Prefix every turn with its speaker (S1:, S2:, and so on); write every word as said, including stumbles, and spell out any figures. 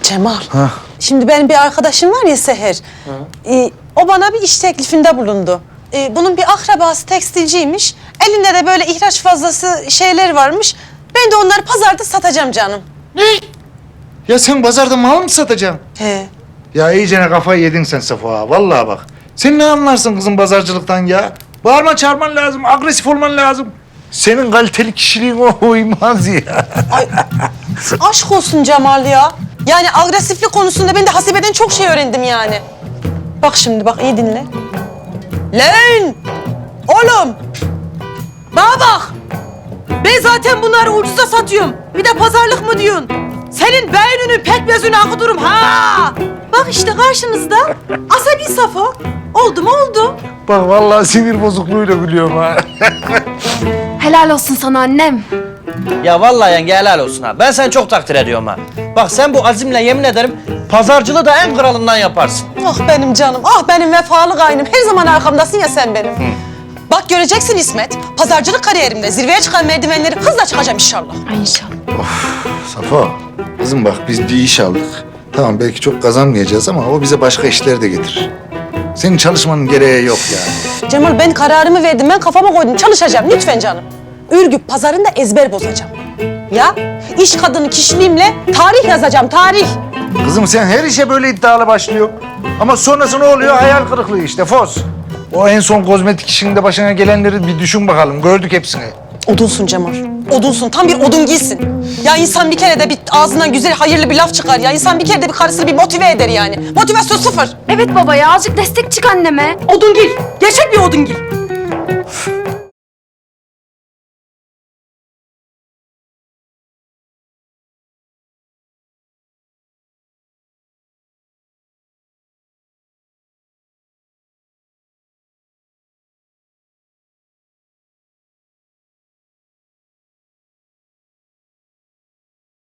S1: Cemal.
S2: Ha.
S1: Şimdi benim bir arkadaşım var ya Seher. Ee, o bana bir iş teklifinde bulundu. Ee, bunun bir akrabası tekstilciymiş. Elinde de böyle ihraç fazlası şeyler varmış. Ben de onları pazarda satacağım canım.
S2: Ne? Ya sen pazarda mal mı satacaksın?
S1: He.
S2: Ya iyicene kafayı yedin sen Safo ha. Vallahi bak. Sen ne anlarsın kızım pazarcılıktan ya? Bağırma çağırman lazım, agresif olman lazım. Senin kaliteli kişiliğin o uymaz ya.
S1: Ay, aşk olsun Cemal ya. Yani agresiflik konusunda ben de Hasibe'den çok şey öğrendim yani. Bak şimdi bak iyi dinle. Lan! Oğlum! Bana bak! Ben zaten bunları ucuza satıyorum. Bir de pazarlık mı diyorsun? Senin beyninin pekmezini akıtırım ha! Bak işte karşınızda asabi Safo. Oldu mu oldu.
S2: Bak vallahi sinir bozukluğuyla gülüyorum ha.
S3: Helal olsun sana annem.
S4: Ya vallahi yenge helal olsun ha. Ben seni çok takdir ediyorum ha. Bak sen bu azimle yemin ederim pazarcılığı da en kralından yaparsın.
S1: Ah benim canım, ah benim vefalı kaynım. Her zaman arkamdasın ya sen benim. Bak göreceksin İsmet, pazarcılık kariyerimde zirveye çıkan merdivenleri hızla çıkacağım inşallah.
S3: Ay inşallah.
S2: Safo, kızım bak biz bir iş aldık. Tamam belki çok kazanmayacağız ama o bize başka işler de getirir. Senin çalışmanın gereği yok yani.
S1: Cemal ben kararımı verdim, ben kafama koydum. Çalışacağım lütfen canım. Ürgüp pazarında ezber bozacağım. Ya iş kadını kişiliğimle tarih yazacağım, tarih.
S2: Kızım sen her işe böyle iddialı başlıyor. Ama sonrası ne oluyor? Hayal kırıklığı işte, Foz. O en son kozmetik işinde başına gelenleri bir düşün bakalım. Gördük hepsini.
S1: Odunsun Cemal, odunsun. Tam bir odun giysin. Ya insan bir kere de bir ağzından güzel, hayırlı bir laf çıkar ya. İnsan bir kere de bir karısını bir motive eder yani. Motivasyon sıfır.
S3: Evet baba ya azıcık destek çık anneme.
S1: Odungil, gerçek bir odungil.